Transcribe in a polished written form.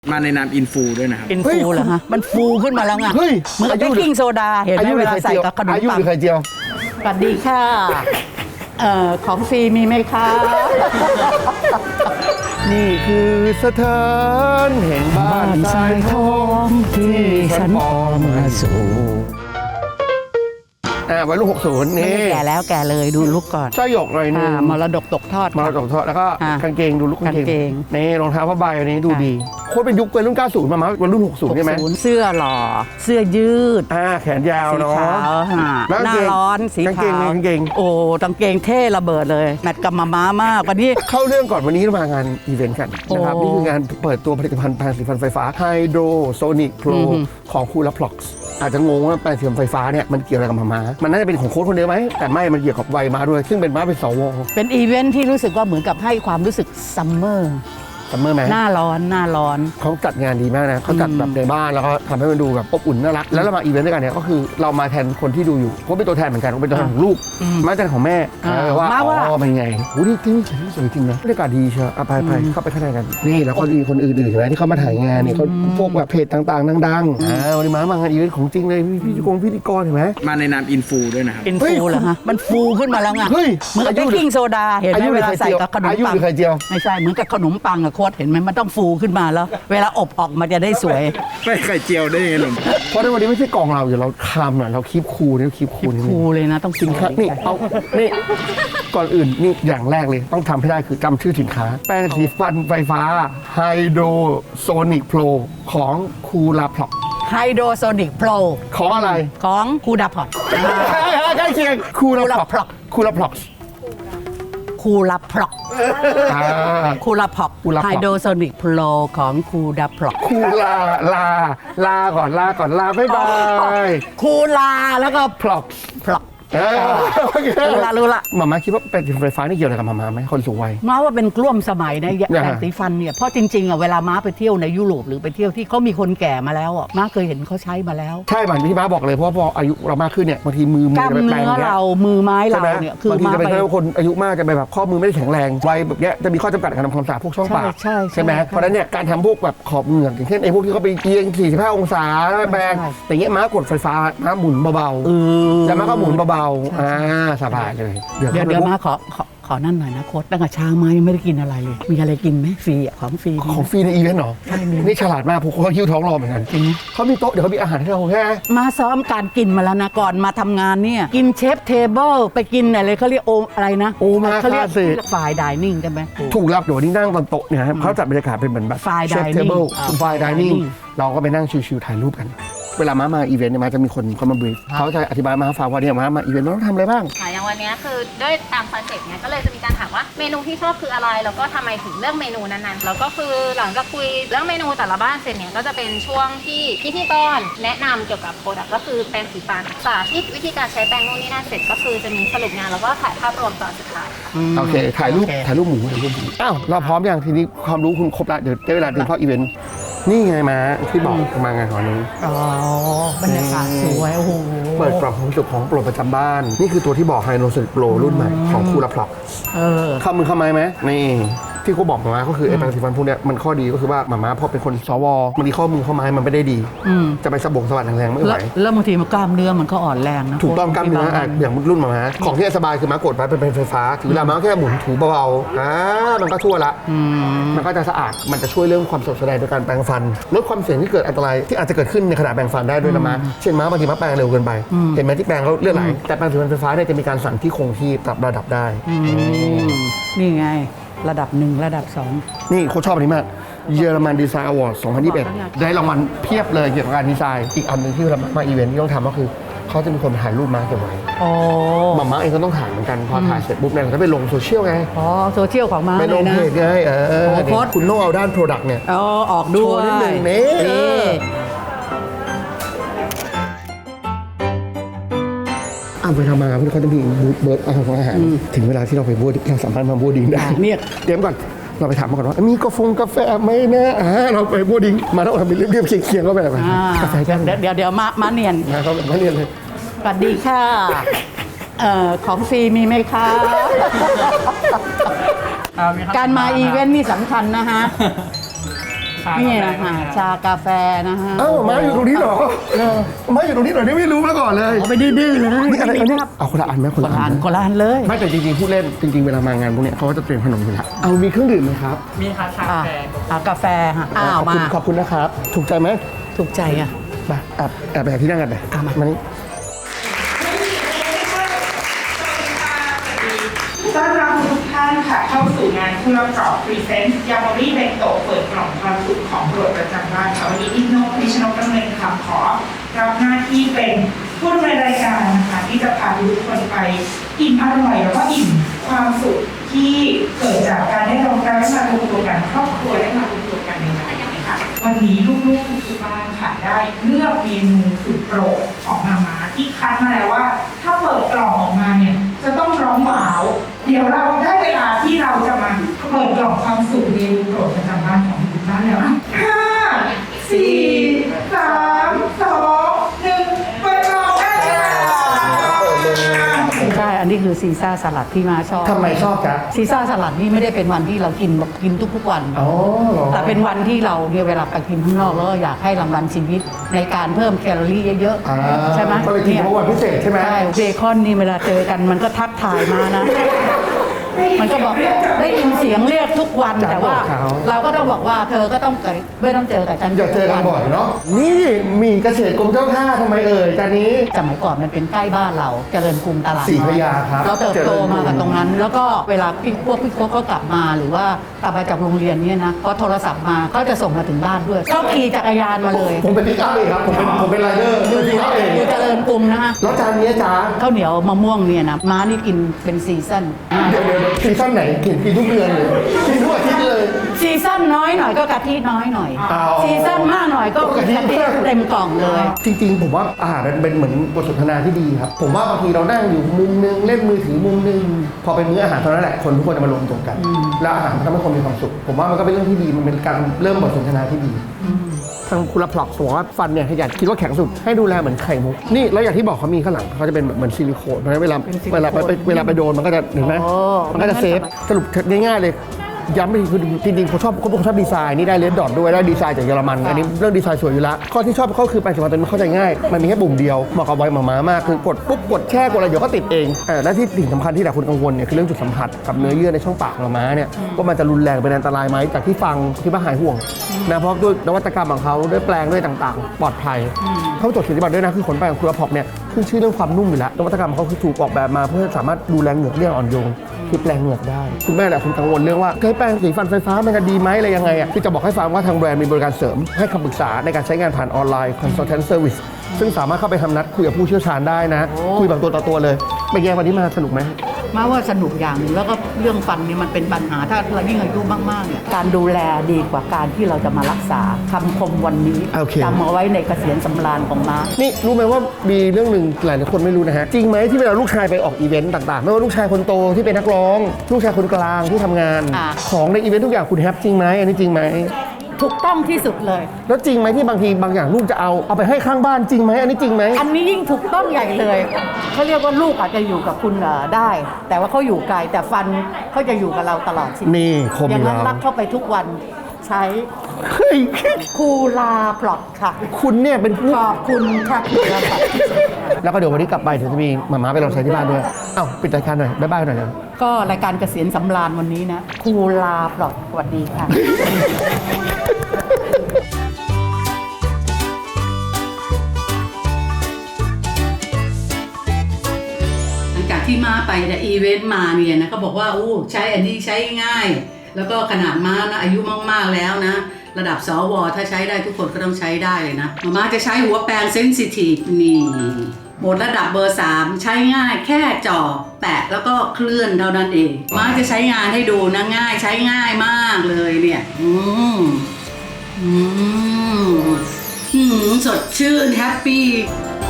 มาในนามอินฟูด้วยนะครับอินฟูเหรอฮะมันฟูขึ้นมาแล้วไงเหมือนกับเบกกิ้งโซดาเห็นไหมเวลาใส่กับขนมปังหรือไข่เจียวสวัสดีค่ะของฟรีมีไหมคะนี่คือสถานแห่งบ้านทรายทองที่ฉันออกมาสู่วัยรุ่น60นี่แก่แล้วแก่เลยดูลุกก่อนสร้อยหยกหน่อยนึงมรดกตกทอดแล้วก็กางเกงดูลุกกางเกงนี่รองเท้าผ้าใบอันนี้ดูดีโคตรเป็นยุควัยรุ่น90มาวัยรุ่น60ใช่ไหมเสื้อหล่อเสื้อยืดแขนยาวเนาะหน้าร้อนสีขาวกางเกงโอ้กางเกงเท่ระเบิดเลยแมทกับม้ามากวันนี้เข้าเรื่องก่อนวันนี้มางานอีเวนต์กันนะครับนี่คืองานเปิดตัวผลิตภัณฑ์แปรงสีฟันไฟฟ้า Hydrosonic Pro ของคูลาพล็อกซ์อาจจะงงว่าแปรงสีฟันไฟฟ้าเนี่ยมันเกี่ยวอะไรกับม้ามันน่าจะเป็นของโค้ชคนเดียวไหมแต่ไม่มันเกี่ยวกับวัยม้าด้วยซึ่งเป็นม้าเป็นสวเป็นอีเวนท์ที่รู้สึกว่าเหมือนกับให้ความรู้สึกซัมเมอร์ไหมหน้าร้อนเขาจัดงานดีมากนะเขาจัดแบบในบ้านแล้วก็ทำให้มันดูแบบอบอุ่นน่ารักแล้วเรามาอีเวนต์ด้วยกันเนี่ยก็คือเรามาแทนคนที่ดูอยู่เขาเป็นตัวแทนเหมือนกันเขาเป็นตัวแทนของลูกมาแทนของแม่ว่าเป็นไงโอ้นี่ที่นี่สวยจริงนะบรรยากาศดีเชียวไปเข้าไปข้างในกันนี่แล้วก็มีคนอื่นๆใช่ไหมที่เขามาถ่ายงานเนี่ยเขาพวกแบบเพจต่างๆดังๆวันนี้มางานอีเวนต์ของจริงเลยพิธีกรเห็นไหมมาในนามอินฟูด้วยนะครับอินฟูเหรอฮะมันฟูขึ้นมาแล้วไงเหมือนกับเบกกิ้งโซดาเห็นไหมเวลาใส่กับขนมปังไข่เจียวไม่ใช่เหมือนกับขนมปังอะโค้ดเห็นไหมมันต้องฟูขึ้นมาแล้วเวลาอบออกมาจะได้สวยไม่ไข่เจียวได้ยังไงหรอเพราะในวันนี้ไม่ใช่กองเราอยู่เราคำน่ะเราคีบคูนี่คีบคูเลยนะต้องกินครับนี่เอานี่ก่อนอื่นนี่อย่างแรกเลยต้องทำให้ได้คือจำชื่อสินค้าแป้งสีฟันไฟฟ้า Hydrosonic Pro ของคูลาพล็อก Hydrosonic Pro ของอะไรของคูลาพล็อกใกล้เคียงคูลาพล็อกคูลาพล็อกไฮโดรโซนิกโปรของคูลาพล็อกลาก่อนบ๊ายบายคูลาแล้วก็พล็อกรู้ละหม่าคิดว่าแปรงสีฟันไฟฟ้านี่เกี่ยวอะไรกับหม่าไหมคนสูงวัยม้าว่าเป็นกลุ่มสมัยนะแปรงสีฟันเนี่ยเพราะจริงๆอ่ะเวลาม้าไปเที่ยวในยุโรปหรือไปเที่ยวที่เขามีคนแก่มาแล้วอ่ะม้าเคยเห็นเขาใช้มาแล้วใช่บางที่ม้าบอกเลยเพราะพออายุเรามากขึ้นเนี่ยบางทีมือกล้ามเนื้อเรามือไม้เราเนี่ยคือบางทีจะเป็นคนอายุมากจะไปแบบข้อมือไม่ได้แข็งแรงวัยแบบเนี้ยจะมีข้อจำกัดการทำความสะอาดพวกช่องปากใช่ไหมเพราะนั้นเนี่ยการทำพวกแบบขอบเหงือกอย่างเช่นไอ้พวกที่เขาไปเอียง45องศาแปรงแต่เงี้ยม้ากดไฟฟ้าม้าหมุนเบาๆแต่ม้าก็หมุนเบาๆสบายเลยเดี๋ยวมาขอนั่นหน่อยนะโค้ดตั้งแต่เช้ามายังไม่ได้กินอะไรเลยมีอะไรกินไหมฟรีอ่ะของฟรีในอีเวนต์เหรอใช่นี่ฉลาดมากพวกเขาคิ้วท้องรอเหมือนกันเขามีโต๊ะเดี๋ยวเขามีอาหารให้เราแค่มาซ้อมการกินมาแล้วนะก่อนมาทำงานเนี่ยกินเชฟเทเบิลไปกินอะไรเขาเรียกอะไรนะเขาเรียกฝ่ายไดนิ่งใช่ไหมถูกรับเดี๋ยวนี้นั่งบนโต๊ะเนี่ยเขาจัดบรรยากาศเป็นเหมือนแบบเชฟเทเบิลฝ่ายไดนิ่งเราก็ไปนั่งชิวๆถ่ายรูปกันเวลามาอีเวนต์เนี่ยมาจะมีคนเขามาบรีฟเขาจะอธิบายมาฟังว่าเนี่ยมาอีเวนต์ต้องทำอะไรบ้างอย่างวันนี้คือด้วยตามคอนเซ็ปต์เนี่ยก็เลยจะมีการถามว่าเมนูที่ชอบคืออะไรแล้วก็ทำไมถึงเลือกเมนูนั้นๆแล้วก็คือหลังจากคุยเรื่องเมนูแต่ละบ้านเสร็จเนี่ยก็จะเป็นช่วงที่พิธีกรแนะนำเกี่ยวกับโปรดักต์ก็คือแปรงสีฟันสาธิตวิธีการใช้แปรงนู่นนี่นั่นเสร็จก็คือจะมีสรุปงานแล้วก็ถ่ายภาพรวมตอนสุดท้ายโอเคถ่ายรูปหมูอ้าวเราพร้อมอย่างทีนี้ความรู้คุณครบแล้วเดี๋ยวได้เวลาเดินเข้าอีเวนต์นี่ไงมาที่บอกมางานวันนี้บรรยากาศสวยโอ้โหเปิดกล่องความสุขของโปรประจำบ้านนี่คือตัวที่บอกไฮโนเซนโปรรุ่นใหม่ของคูลาพล็อกเข้ามือเข้าไม้ไหมนี่ที่เขาบอกมาก็คือไอ้แปรงสีฟันพวกนี้มันข้อดีก็คือว่าหม่าพอเป็นคนสวมันมีข้อมือข้อไม้มันไม่ได้ดีจะไปสะบัดแรงๆไม่ไหวแล้วบางทีมันกล้ามเนื้อมันก็อ่อนแรงนะถูกต้องกล้ามเนื้ออย่างรุ่นหม่าของที่สบายคือม้ากดไปเป็นไฟฟ้าถึงเวลาม้าแค่หมุนถูเบาๆมันก็ทั่วละมันก็จะสะอาดมันจะช่วยเรื่องความสดใสในการแปรงฟันลดความเสี่ยงที่เกิดอันตรายที่อาจจะเกิดขึ้นในขณะแปรงฟันได้ด้วยนะม้าเช่นม้าบางทีม้าแปรงเร็วเกินไปเห็นไหมที่แปรงเขาเลือดไหลแต่แปรงสีฟันไฟฟ้าเนี่ยจะมีการสั่นที่คงที่ปรับระดับได้นี่ไงระดับ1ระดับ2 นี่เขาชอบอันนี้มากเยอรมันดีไซน์อวอร์ด2021ได้รางวัลเพียบเลยเกี่ยวกับการดีไซน์อีกอันนึงที่เรามาอีเวนต์ที่ต้องทำก็คือเขาจะมีคนถ่ายรูปมาเก็บไว้หม่าเองก็ต้องถ่ายเหมือนกันพอถ่ายเสร็จปุ๊บเนี่ยเราจะไปลงโซเชียลไงโซเชียลของม้าไปลงเพจไงคุณต้องเอาด้านโปรดักต์เนี่ยออกด้วยนิดนึงนี่ไปทำมาเขาจะมีบูธเบิร์ดอาหารถึงเวลาที่เราไปบูธเราสามารถมาบูธดิ้งได้เนี่ยเดี๋ยวก่อนเราไปถามมาก่อนว่ามีกาแฟไหมนะเราไปบูธดิ้งมาแล้วทำเป็นเรียบเคียงก็แบบกาแฟกันเดี๋ยวมาเนียนเขาแบบมาเนียนเลยสวัสดีค่ะของฟรีมีไหมคะการมาอีเวนต์นี่สำคัญนะฮะนี่นะคะชากาแฟนะฮะเอ้ามาอยู่ตรงนี้เหรอมาอยู่ตรงนี้เหรอนี่ไม่รู้มาก่อนเลยเอาไปดื้อๆเลยนี่อะไรเนี่ยเอาคนละอันไหมคนคนละละอัอันนคนละอันเลยไม่แต่จริงๆพูดเล่นจริงๆเวลามางานพวกเนี้ยเขาก็จะเตรียมขนมอยู่แล้วเอามีเครื่องดื่มไหมครับมีค่ะชาแฟกาแฟฮะอ้าวมาขอบคุณนะครับถูกใจไหมถูกใจอ่ะไปแอบไปหาที่นั่งกันไป มานี่ต้อนรับทุกท่านค่ะเข้าสู่งานผู้รับจอบพรีเซนต์ยามารีเบนโตเปิดกล่องความสุขของโปรดประจำบ้านค่ะวันนี้อินโนพิชนกดำเนินคำขอรับหน้าที่เป็นผู้ดำเนินรายการนะคะที่จะพาทุกคนไปอิ่มอร่อยแล้วก็อิ่มความสุขที่เกิดจากการได้รวมตัวกันครอบครัวได้มารวมตัวกันในงานนะคะวันนี้ลูกๆทุกบ้านค่ะได้เลือกเมนูสุดโปรดของมาที่คัดมาแล้วว่าถ้าเปิดกล่องออกมาเนี่ยจะต้องร้องว้าวเดี๋ยวเราได้เวลาที่เราจะมาเปิดกล่องความสุขเมนูโปรดประจำบ้านของทุกบ้านแล้วนะ5 4 3 2 1เปิดกล่องได้เลยใช่อันนี้คือซีซ่าสลัดที่มาชอบทำไมชอบจ๊ะซีซ่าสลัดนี่ไม่ได้เป็นวันที่เรากินแบบกินทุกๆวันอ๋อเหรอแต่เป็นวันที่เราเนี่ยเวลาไปกินข้างนอกแล้วอยากให้รางวัลชีวิตในการเพิ่มแคลอรี่เยอะๆใช่ไหมก็เลยกินเพราะวันพิเศษใช่ไหมใช่เบคอนนี่เวลาเจอกันมันก็ทักทายมานะ มันก็บอกได้ยินเสียงเรียกทุกวันแต่ว่า เราก็ต้องบอกว่าเธอก็ต้องไม่ต้องเจอกับฉันอย่าเจอกันบ่อยเนาะนี่มีเกษตรกรมเจ้าท่าทำไมเอ่ยจานนี้สมัยก่อนมันเป็นใกล้บ้านเราเจริญกรุงตลาดศรีพระยาครับเราเติบโตมากับตรงนั้น แล้วก็เวลาพี่พวกเขากลับมาหรือว่ากลับมาจากโรงเรียนเนี่ยนะเขาโทรศัพท์มาเขาจะส่งมาถึงบ้านด้วยเขาขี่จักรยานมาเลยผมเป็นพิกอัพเองครับผมเป็นไรเดอร์เป็นพิกอัพเองอยู่เจริญกรุงนะฮะแล้วจานนี้จ๊ะข้าวเหนียวมะม่วงเนี่ยนะม้านี่กินเป็นซีซั่นเดี๋ยวซีซั่นไหนกินทุกเดือนเลยกินทุกอาทิตย์เลยซีซั่นน้อยหน่อยก็กะทิน้อยหน่อยอ๋อซีซั่นมากหน่อยก็กะทิเต็มกล่องเลยจริงๆผมว่าอาหารมันเป็นเหมือนบทสนทนาที่ดีครับผมว่าบางทีเรานั่งอยู่มุมนึงเล่นมือถือมุมนึงพอเป็นมื้ออาหารเท่านั้นแหละคนทุกคนจะมารวมตัวกัน แล้วอาหารมันทำให้คนมีความสุขผมว่ามันก็เป็นเรื่องที่ดีมันเป็นการเริ่มบทสนทนาที่ดีทางคุณรับพล็อกบอกว่าฟันเนี่ยอยากคิดว่าแข็งสุดให้ดูแลเหมือนไข่มุกนี่แล้วอย่างที่บอกเขามีข้างหลังเขาจะเป็นแบบเหมือนซิลิโคนเพราะฉะนั้นเวลาไปโดนมันก็จะเห็นไหมมันก็จะเซฟสรุปง่ายๆเลยย้ำไปคือจริงๆผมชอบดีไซน์นี่ได้เลดดอทด้วยได้ดีไซน์จากเยอรมันอันนี้เรื่องดีไซน์สวยอยู่แล้วข้อที่ชอบก็คือแปรงสีฟันตัวนี้เข้าใจง่ายมันมีแค่ปุ่มเดียวเหมาะกับวัยหมามากคือกดปุ๊บกดแช่กดอะไรเดี๋ยวก็ติดเองและที่สิ่งสำคัญที่หลายคนกังวลเนี่ยคือเรื่องจุดสัมผัสกับเนื้อเยื่อในช่องปากของม้าเนี่ยว่ามันจะรุนแรงเป็นอันตรายไหมจากที่ฟังที่ว่าหายห่วงนะเพราะด้วยนวัตกรรมของเขาด้วยแปลงด้วยต่างๆปลอดภัยเขาจดเกียรติบัตรด้วยนะคือขนแปรงของคุณพอกเนี่ยขึ้นชื่อเรื่องความนุ่มอยู่แล้วนวัตกรรมเขาคือถูกออกแบบมาเพื่อสามารถดูแลเหงือกเรื่องอ่อนโยนคือแปลงเหงือกได้คุณแม่แหละคุณกังวลเรื่องว่าแปรงสีฟันไฟฟ้ามันจะดีไหมอะไรยังไงอ่ะที่จะบอกให้ฟังว่าทางแบรนด์มีบริการเสริมให้คำปรึกษาในการใช้งานผ่านออนไลน์ consultant service ซึ่งสามารถเข้าไปทำนัดคุยกับผู้เชี่ยวชาญได้นะคุยแบบตัวต่อตัวเลยเป็นไงวันนี้มาสนุกไหมมาว่าสนุกอย่างหนึงแล้วก็เรื่องฟันนี่มันเป็นปัญหาถ้าเรายิ่งอายุมากๆเนี่ยการดูแลดีกว่าการที่เราจะมารักษาคำคมวันนี้โอเคจำเอาไว้ในเกษียณสำราญของม้านี่รู้ไหมว่ามีเรื่องหนึ่งหลายคนไม่รู้นะฮะจริงไหมที่เวลาลูกชายไปออกอีเวนต์ต่างๆไม่ว่าลูกชายคนโตที่เป็นนักร้องลูกชายคนกลางที่ทำงาน ของในอีเวนต์ทุกอย่างคุณแฮปจริงไหมอันนี้จริงไหมถูกต้องที่สุดเลยแล้วจริงไหมที่บางทีบางอย่างลูกจะเอาไปให้ข้างบ้านจริงไหมอันนี้จริงไหมอันนี้ยิ่งถูกต้องใหญ่เลยเขาเรียกว่าลูกอาจจะอยู่กับคุณได้ แต่ว่าเขาอยู่ไกลแต่ฟันเขาจะอยู่กับเราตลอดชีวิตนี่คมอย่างนั้นแล้วรักเข้าไปทุกวันใช้เฮ้ยคูลาพลอตค่ะคุณเนี่ยเป็นผู้ขอบคุณค่ะคูลาพลอตแล้วก็เดี๋ยววันนี้กลับไปเดี๋ยวจะมีหมาๆไปลองใช้ที่บ้านด้วยเอ้าปิดรายการหน่อยบ๊ายบายหน่อยนะก็รายการเกษียณสำราญวันนี้นะคูลาพลอตสวัสดีค่ะ หลังจากที่ม้าไปแต่อีเวนต์มาเนี่ยนะก็บอกว่าอู้ใช้อันนี้ใช้ง่าย แล้วก็ขนาดม้านะอายุมากๆแล้วนะ ระดับสวถ้าใช้ได้ทุกคนก็ต้องใช้ได้เลยนะม้าจะใช้หัวแปรงเซนซิทีฟนี่หมดระดับเบอร์ 3 ใช้ง่ายแค่จ่อแปะแล้วก็เคลื่อนเท่านั้นเองม้าจะใช้งานให้ดูนะง่ายใช้ง่ายมากเลยเนี่ยสดชื่นแฮปปี้